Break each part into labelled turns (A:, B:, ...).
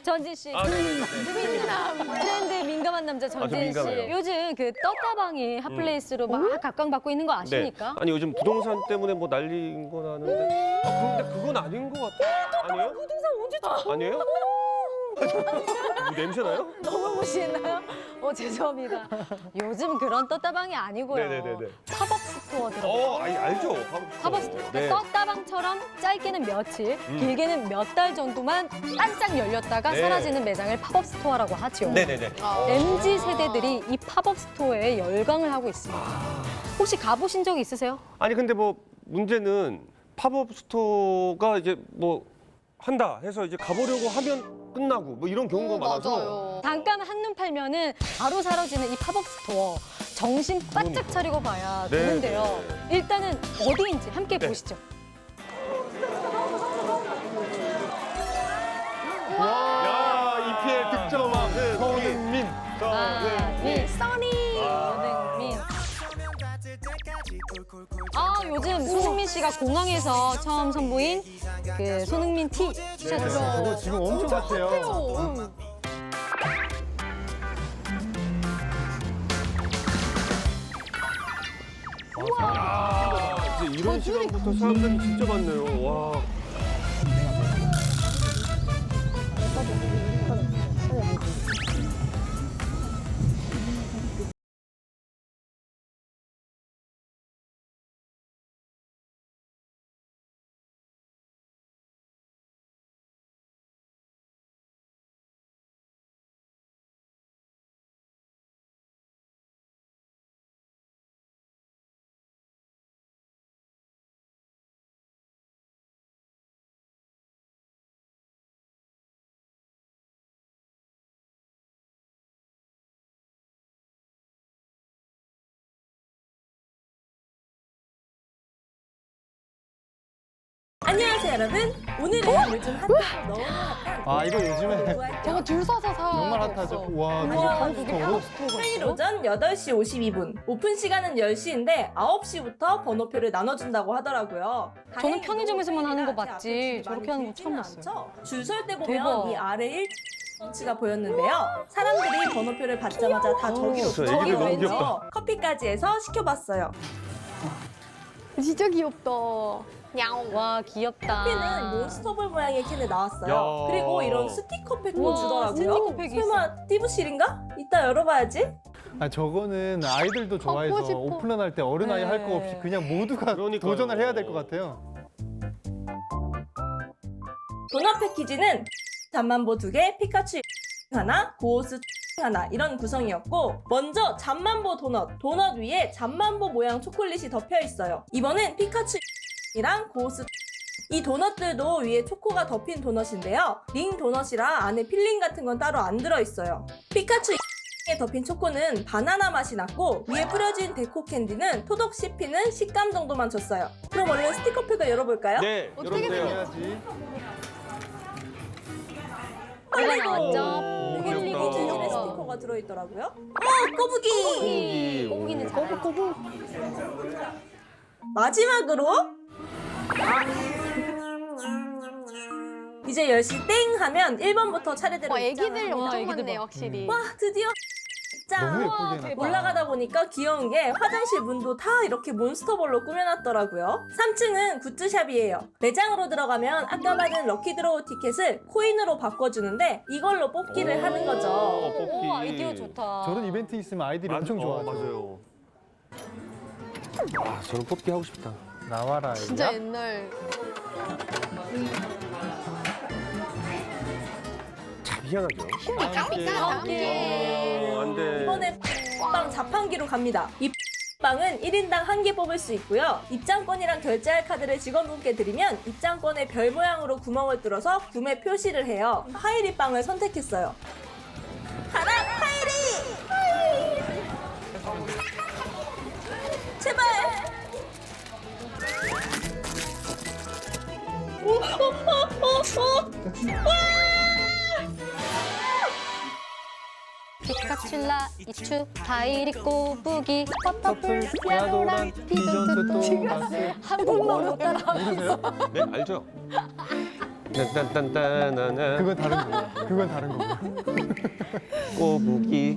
A: 전진 씨.
B: 민남.
A: 트렌드에 민감한 남자
C: 저
A: 전진 씨.
C: 민감해요.
A: 요즘 그 떴다방이 핫플레이스로 막 각광받고 있는 거 아십니까?
C: 네. 아니 요즘 부동산 때문에 뭐 난리인 건 아는데 근데 그건 아닌 것 같아. 아니에요?
A: 부동산 언제
C: 아니에요? 뭐 냄새 나요?
A: 너무 무시했나요? 죄송합니다. 요즘 그런 떴다방이 아니고요.
C: 네네네네.
A: 팝업 스토어 들어요.
C: 알죠.
A: 팝업 스토어.
C: 네.
A: 떴다방처럼 짧게는 며칠, 길게는 몇 달 정도만 반짝 열렸다가
C: 네.
A: 사라지는 매장을 팝업 스토어라고 하죠.
C: 네네네.
A: MZ 세대들이 이 팝업 스토어에 열광을 하고 있습니다. 혹시 가보신 적 있으세요?
C: 아니 근데 뭐 문제는 팝업 스토어가 이제 뭐 한다 해서 이제 가보려고 하면 끝나고 뭐 이런 경우가 많아서
B: 맞아요.
A: 잠깐 한눈 팔면은 바로 사라지는 이 팝업 스토어. 정신 바짝 차리고 봐야
C: 네,
A: 되는데요.
C: 네.
A: 일단은 어디인지 함께
C: 네.
A: 보시죠.
C: 야 EPL 득점왕 손흥민.
A: 써니 손흥민. 요즘 손흥민 씨가 공항에서 처음 선보인 그 손흥민 티셔츠.
D: 그거 지금 엄청 핫해요.
C: 이제 이런 시간부터 사람들이 진짜 많네요. 와.
E: 안녕하세요 여러분. 오늘은 요즘 핫하고 너무 핫한
D: 이거 요즘에
B: 저거 줄 서서 사.
D: 정말 핫하죠. 와, 이게
E: 우와,
D: 팝스토어로?
E: 토요일 오전 8시 52분. 오픈 시간은 10시인데 9시부터 번호표를 나눠준다고 하더라고요.
A: 저는 편의점에서만 하는 거
E: 아직
A: 봤지.
E: 앞에 줄이
A: 저렇게
E: 많이
A: 하는 거 처음
E: 길지는
A: 봤어요.
E: 않죠? 줄 설 때 보면
A: 대박.
E: 이 아래 1가 보였는데요. 사람들이 번호표를 받자마자 다 저기로
C: 저 애기들 너무
E: 왼쪽
C: 귀엽다.
E: 커피까지 해서 시켜봤어요.
B: 진짜 귀엽다. 야옹.
A: 와 귀엽다.
E: 커피는 몬스터볼 모양의 캔에 나왔어요.
C: 야.
E: 그리고 이런 스티커팩도
A: 우와,
E: 주더라고요.
A: 스티커팩이
E: 설마 띠부실인가? 이따 열어봐야지.
D: 저거는 아이들도 좋아해서
B: 싶어.
D: 오픈런할 때 어른아이
A: 네.
D: 할 거 없이 그냥 모두가
C: 그러니까요.
D: 도전을 해야 될 것 같아요.
E: 도넛 패키지는 잠만보 2개, 피카츄 하나, 고호스 하나 이런 구성이었고 먼저 잠만보 도넛 위에 잠만보 모양 초콜릿이 덮여 있어요. 이번엔 피카츄랑 고호스 이 도넛들도 위에 초코가 덮인 도넛인데요. 링 도넛이라 안에 필링 같은 건 따로 안 들어있어요. 피카츄 에 덮인 초코는 바나나 맛이 났고 위에 뿌려진 데코 캔디는 토독 씹히는 식감 정도만 줬어요. 그럼 얼른 스티커팩을 열어볼까요?
C: 네,
B: 어떻게
C: 여러분들.
D: 해야지.
A: 뭐가
E: 아이고.
A: 나왔죠?
E: 이게
C: 귀엽다.
E: 리본 재질의 스티커가 들어있더라고요. 꼬부기!
A: 꼬부기는 잘하죠.
E: 마지막으로 이제 10시 땡 하면 1번부터 차례대로
B: 애기들
E: 입장을
B: 엄청
A: 애기들
B: 많네
A: 봐.
B: 확실히.
E: 와 드디어
D: 너무
E: 입장!
D: 예쁘게 해놨다.
E: 올라가다 보니까 귀여운 게 화장실 문도 다 이렇게 몬스터볼로 꾸며놨더라고요. 3층은 굿즈샵이에요. 매장으로 들어가면 아까 받은 럭키드로우 티켓을 코인으로 바꿔주는데 이걸로 뽑기를 하는 거죠.
C: 뽑기.
A: 오, 아이디어 좋다.
D: 저런 이벤트 있으면 아이들이 엄청 좋아하죠.
C: 맞아요. 저는 뽑기 하고 싶다.
D: 나와라.
B: 진짜
D: 애기야.
B: 옛날.
C: 참 희한하죠.
B: 함께.
C: 안 돼.
E: 이번에 빵 자판기로 갑니다. 이 빵은 1인당 1개 뽑을 수 있고요. 입장권이랑 결제할 카드를 직원분께 드리면 입장권에 별 모양으로 구멍을 뚫어서 구매 표시를 해요. 하이리 빵을 선택했어요. 가라 하이리! 제발!
A: 피카츄라 이추 다이리 꼬부기
D: 퍼플, 야도란, 피전트 또 마스.
A: 한국말로 따라.
D: 모르세요?
C: 네, 알죠? 딴딴딴딴딴
D: 그건 다른 거고. 그건 다른 거고.
C: 꼬부기.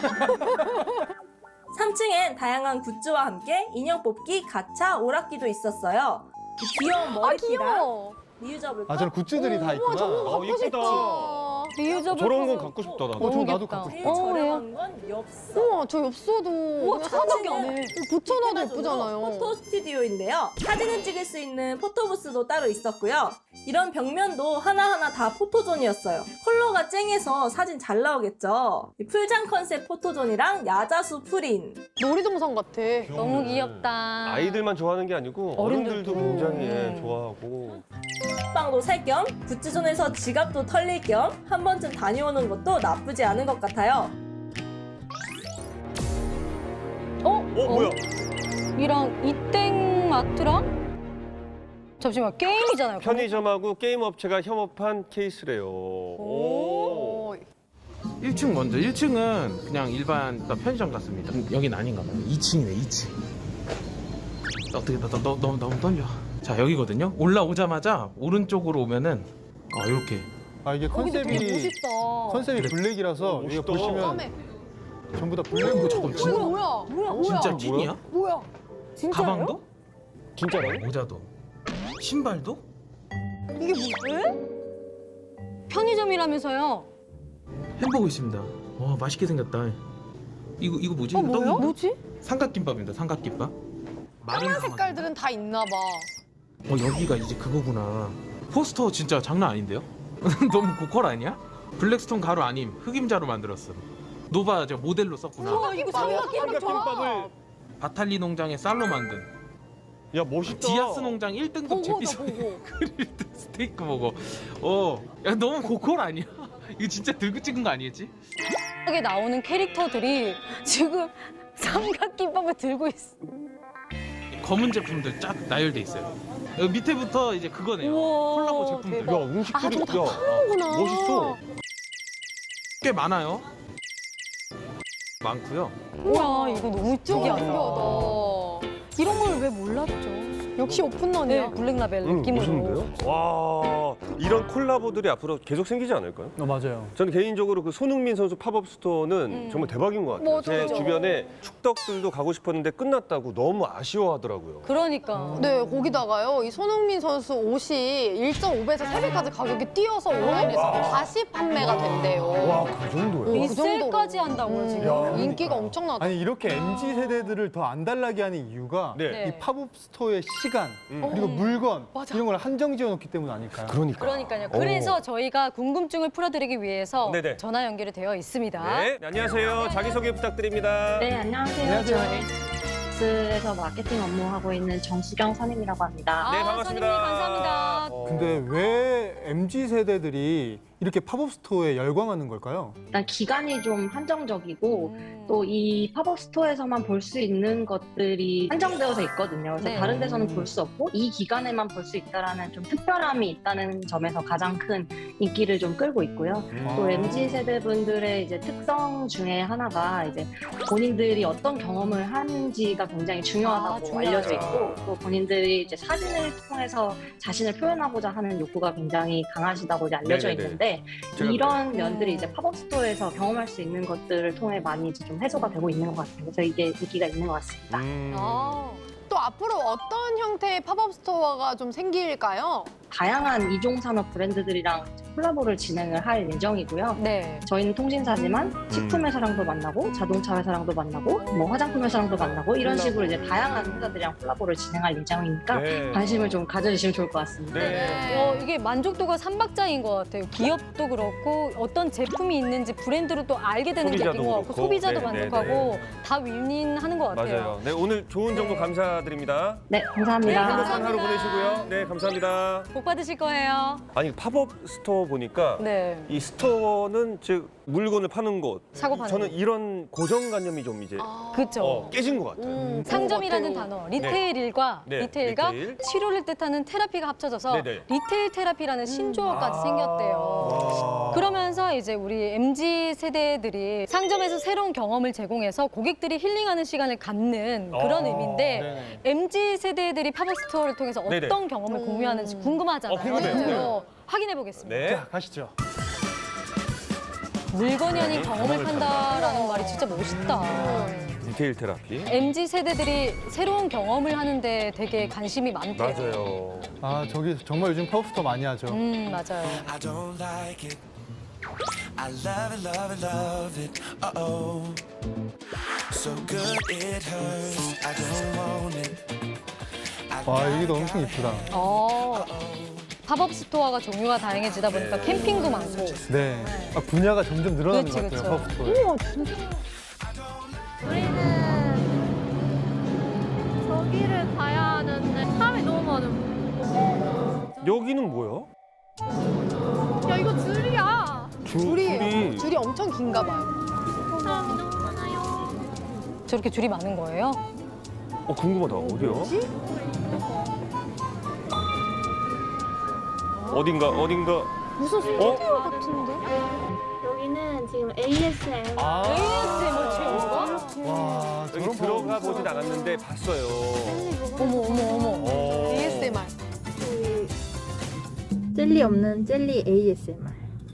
E: 3층엔 다양한 굿즈와 함께 인형 뽑기, 가차, 오락기도 있었어요. 이 귀여운 머리띠랑
B: 귀여워.
E: 리유저블
D: 아, 저런 굿즈들이 다 있구나.
C: 어 이쁘다.
A: 리유저블
C: 저런 건
A: 컵.
C: 갖고 싶다 나도.
D: 저
A: 너무
D: 나도
A: 귀엽다.
D: 갖고
E: 제일
D: 싶어.
E: 저렴한 건 엽서.
B: 우와, 저 엽서도
A: 우와,
B: 그냥
A: 천원밖에 안
B: 사진에
A: 해.
B: 붙여놔도
E: 이렇게
B: 예쁘잖아요.
E: 포토 스튜디오인데요. 사진을 찍을 수 있는 포토부스도 따로 있었고요. 이런 벽면도 하나하나 다 포토존이었어요. 컬러가 쨍해서 사진 잘 나오겠죠. 이 풀장 컨셉 포토존이랑 야자수 프린.
B: 놀이동산 같아.
A: 너무 귀엽다.
C: 아이들만 좋아하는 게 아니고 어른들도
A: 어른들도.
C: 굉장히
A: 음.
C: 좋아하고.
E: 빵도 살 겸 굿즈존에서 지갑도 털릴 겸 한 번쯤 다녀오는 것도 나쁘지 않은 것 같아요.
C: 뭐야?
A: 이랑 이땡마트랑 잠시만 게임이잖아요.
C: 편의점하고 게임 업체가 협업한 케이스래요. 오.
F: 1층 먼저. 1층은 그냥 일반 편의점 같습니다. 여긴 아닌가 봐요. 2층이네, 2층. 어떻게 너무 떨려. 자, 여기거든요. 올라오자마자 오른쪽으로 오면은 이렇게
D: 아, 이게
B: 거기도 되게
D: 컨셉이
B: 멋있다.
D: 컨셉이 블랙이라서 이거
C: 멋있다.
D: 보시면
B: 까매.
D: 전부 다 블랙으로.
F: 잠깐,
B: 이거 뭐야? 뭐야?
F: 진짜 찐이야?
B: 뭐야? 진짜요?
F: 가방도?
C: 진짜라고?
F: 모자도? 신발도?
B: 이게 뭐야?
A: 편의점이라면서요.
F: 햄버거 있습니다. 와, 맛있게 생겼다. 이거 뭐지?
B: 뭐야?
F: 떡인가?
B: 뭐지?
F: 삼각김밥입니다. 삼각김밥. 마른
B: 까만 색깔들은 다 있나 봐.
F: 여기가 이제 그거구나. 포스터 진짜 장난 아닌데요? 너무 고퀄 아니야? 블랙스톤 가루 아님 흑임자로 만들었어. 노바 저 모델로 썼구나.
B: 우와, 이거 삼각김밥
C: 삼각김밥을
F: 바탈리 농장의 쌀로 만든
C: 야 멋있다.
F: 디아스 농장 1등급
B: 보고다
F: 제피소에
B: 보고.
F: 그릴 때 스테이크 먹어. 야 너무 고퀄 아니야? 이거 진짜 들고 찍은 거 아니겠지?
A: 여기 나오는 캐릭터들이 지금 삼각김밥을 들고 있어.
F: 검은 제품들 쫙 나열돼 있어요. 여기 밑에부터 이제 그거네요.
A: 우와,
F: 콜라보 제품들.
A: 대박.
C: 야 음식들이
B: 저거 다
C: 야
B: 파는구나.
C: 멋있어.
F: 꽤 많아요. 많고요.
A: 우와, 이거 너무 특이하다.
B: 신기하다.
A: 이런 걸 왜 몰랐죠?
B: 역시 오픈런이야.
A: 네, 블랙라벨 느낌으로.
C: 멋있는데요? 와 이런 콜라보들이 앞으로 계속 생기지 않을까요?
D: 맞아요.
C: 저는 개인적으로 그 손흥민 선수 팝업 스토어는 정말 대박인 것 같아요. 제
B: 맞아요.
C: 주변에 축덕들도 가고 싶었는데 끝났다고 너무 아쉬워하더라고요.
A: 그러니까.
B: 네, 거기다가요. 이 손흥민 선수 옷이 1.5배에서 3배까지 가격이 뛰어서 온라인에서 다시 판매가 된대요.
C: 와 그 정도예요?
A: 리셀까지 한다고요, 지금.
B: 인기가 엄청나다.
D: 아니 이렇게 MZ 세대들을 더 안달나게 하는 이유가
C: 네.
D: 이 팝업 스토어의 시간 그리고 물건 이런 걸 한정 지어놓기 때문 아닐까요?
C: 그러니까.
A: 그러니까요. 그래서 저희가 궁금증을 풀어드리기 위해서
C: 네네.
A: 전화 연결이 되어 있습니다.
C: 네, 안녕하세요. 자기소개 부탁드립니다.
G: 네, 안녕하세요.
D: 안녕하세요.
G: 저 엘스에서 마케팅 업무하고 있는 정수경 선임이라고 합니다.
C: 네,
A: 아,
C: 반갑습니다.
A: 선생님 감사합니다.
D: 근데 왜 MZ 세대들이 이렇게 팝업 스토어에 열광하는 걸까요?
G: 일단 기간이 좀 한정적이고 또 이 팝업 스토어에서만 볼 수 있는 것들이 한정되어서 있거든요. 그래서
A: 네.
G: 다른 데서는 볼 수 없고 이 기간에만 볼 수 있다라는 좀 특별함이 있다는 점에서 가장 큰 인기를 좀 끌고 있고요. 또 MZ 세대분들의 이제 특성 중에 하나가 이제 본인들이 어떤 경험을 하는지가 굉장히 중요하다고
A: 중요하죠.
G: 알려져 있고 또 본인들이 이제 사진을 통해서 자신을 표현하고자 하는 욕구가 굉장히 강하시다고 이제 알려져
C: 네네네.
G: 있는데
C: 제가
G: 이런 면들이 이제 팝업 스토어에서 경험할 수 있는 것들을 통해 많이 이제 좀 해소가 되고 있는 것 같아요. 그래서 이게 인기가 있는 것 같습니다.
A: 아,
B: 또 앞으로 어떤 형태의 팝업 스토어가 좀 생길까요?
G: 다양한 이종산업 브랜드들이랑 콜라보를 진행을 할 예정이고요.
A: 네.
G: 저희는 통신사지만 식품 회사랑도 만나고 자동차 회사랑도 만나고 뭐 화장품 회사랑도 만나고 이런 식으로 이제 다양한 회사들이랑 콜라보를 진행할 예정이니까
C: 네.
G: 관심을 좀 가져주시면 좋을 것 같습니다.
C: 네.
A: 이게 만족도가 삼박자인 것 같아요. 기업도 그렇고 어떤 제품이 있는지 브랜드로 또 알게 되는 게
C: 소비자도
A: 있는 것 같고
C: 그렇고.
A: 소비자도
C: 네,
A: 만족하고 다 윈윈하는 것 같아요.
C: 맞아요. 네, 오늘 좋은 정보
A: 네.
C: 감사드립니다.
G: 네, 감사합니다.
A: 네,
C: 행복한 하루
A: 감사합니다.
C: 보내시고요. 네, 감사합니다.
A: 복 받으실 거예요.
C: 아니 팝업 스토어 보니까
A: 네.
C: 이 스토어는 즉 물건을 파는 곳.
A: 사고 파는
C: 저는
A: 곳.
C: 이런 고정관념이 좀 이제
A: 그렇죠.
C: 깨진 것 같아요.
A: 상점이라는
B: 그런 것
A: 단어, 리테일일과
C: 네,
A: 리테일과
C: 리테일.
A: 치료를 뜻하는 테라피가 합쳐져서
C: 네네.
A: 리테일 테라피라는 신조어까지
C: 아.
A: 생겼대요. 그러면서 이제 우리 MZ 세대들이 상점에서 새로운 경험을 제공해서 고객들이 힐링하는 시간을 갖는 그런 의미인데 MZ 세대들이 팝업 스토어를 통해서 어떤
C: 네네.
A: 경험을 공유하는지 궁금하잖아요.
C: 궁금해요.
A: 실제로. 확인해 보겠습니다.
C: 네.
D: 가시죠.
A: 물건이 아닌 경험을 판다라는 말이 진짜 멋있다.
C: 디테일 테라피.
A: MZ 세대들이 새로운 경험을 하는데 되게 관심이 많대요.
C: 맞아요.
D: 아, 저기 정말 요즘 팝업스토어 많이 하죠.
A: 맞아요.
H: I don't like it. I love it, love it, love it. Uh-oh. So good it hurts. I don't want it.
D: 와, 여기도 엄청 이쁘다.
A: 팝업 스토어가 종류가 다양해지다 보니까 캠핑도 많고.
D: 네. 아, 분야가 점점 늘어나는
A: 그치,
D: 것 같아요,
A: 그치.
D: 팝업스토어에.
B: 우리는 저기를 가야 하는데 사람이 너무 많아.
C: 여기는 뭐야?
B: 야 이거 줄이야.
C: 줄이.
B: 줄이 엄청 긴가 봐요.
A: 아,
B: 사람이 너무 많아요.
A: 저렇게 줄이 많은 거예요?
C: 궁금하다. 어디야? 어딘가.
B: 무슨 스튜디오 같은데?
I: 여기는 지금 ASM
A: ASMR 체험가?
D: 와,
C: 여기
D: 저런
C: 들어가 보진 않았는데 봤어요.
A: 어머.
B: ASMR.
I: 저희 젤리 없는 젤리 ASMR.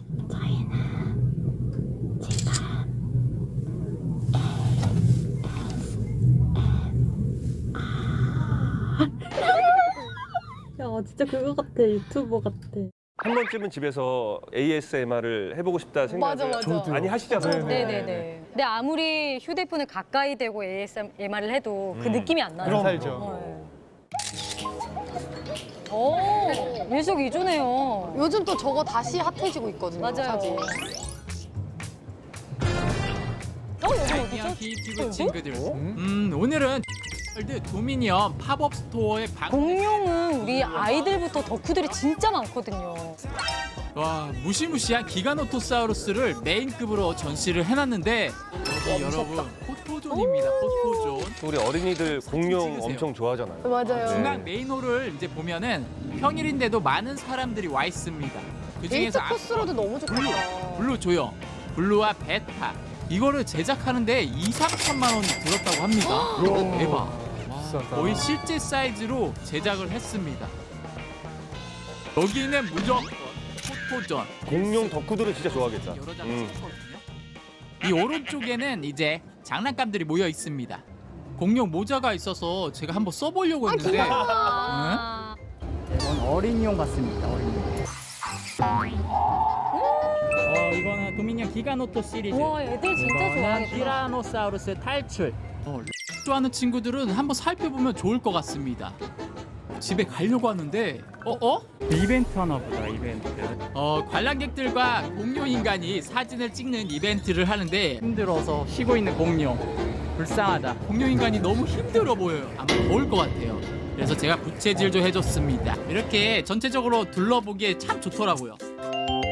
I: 야 진짜 그거 같아. 유튜버 같아.
C: 한 번쯤은 집에서 ASMR을 해보고 싶다 생각을
B: 맞아.
C: 많이 하시잖아요.
A: 네네네. 근데 아무리 휴대폰을 가까이 대고 ASMR을 해도 그 느낌이 안 나요.
D: 그럼 살죠.
A: 일석이조네요.
B: 요즘 또 저거 다시 핫해지고 있거든요.
A: 맞아요.
B: 사진.
A: 여기 어디죠?
J: 히티브 친구들. 오늘은 월드 도미니언 팝업 스토어의
A: 공룡은 우리 아이들부터 덕후들이 진짜 많거든요.
J: 와 무시무시한 기가노토사우루스를 메인급으로 전시를 해놨는데 여기 여러분 포토존입니다. 포토존.
C: 우리 어린이들 공룡
J: 찍으세요.
C: 엄청 좋아하잖아요.
B: 맞아요.
J: 중앙 메인홀을 이제 보면은 평일인데도 많은 사람들이 와 있습니다. 그
B: 데이트
J: 중에서
B: 코스로도 너무 좋겠다.
J: 블루 조형, 블루와 베타 이거를 제작하는데 2~3천만 원이 들었다고 합니다. 대박. 와, 거의 실제 사이즈로 제작을 했습니다. 여기는 무조건 포토존.
C: 공룡 덕후들은 진짜 좋아하겠다.
J: 여러 장 찍거든요. 이 오른쪽에는 이제 장난감들이 모여 있습니다. 공룡 모자가 있어서 제가 한번 써보려고 했는데
K: 이건 어린이용 같습니다. 어린이용. 이거는 도미니언 기가노토 시리즈.
A: 와, 애들 진짜
K: 이거는
A: 좋아하겠다.
K: 티라노사우루스 탈출.
J: 좋아하는 친구들은 한번 살펴보면 좋을 것 같습니다. 집에 가려고 하는데
K: 이벤트 하나 보자. 이벤트.
J: 관람객들과 공룡 인간이 사진을 찍는 이벤트를 하는데
K: 힘들어서 쉬고 있는 공룡. 불쌍하다.
J: 공룡 인간이 너무 힘들어 보여요. 아마 더울 것 같아요. 그래서 제가 부채질 좀 해줬습니다. 이렇게 전체적으로 둘러보기에 참 좋더라고요.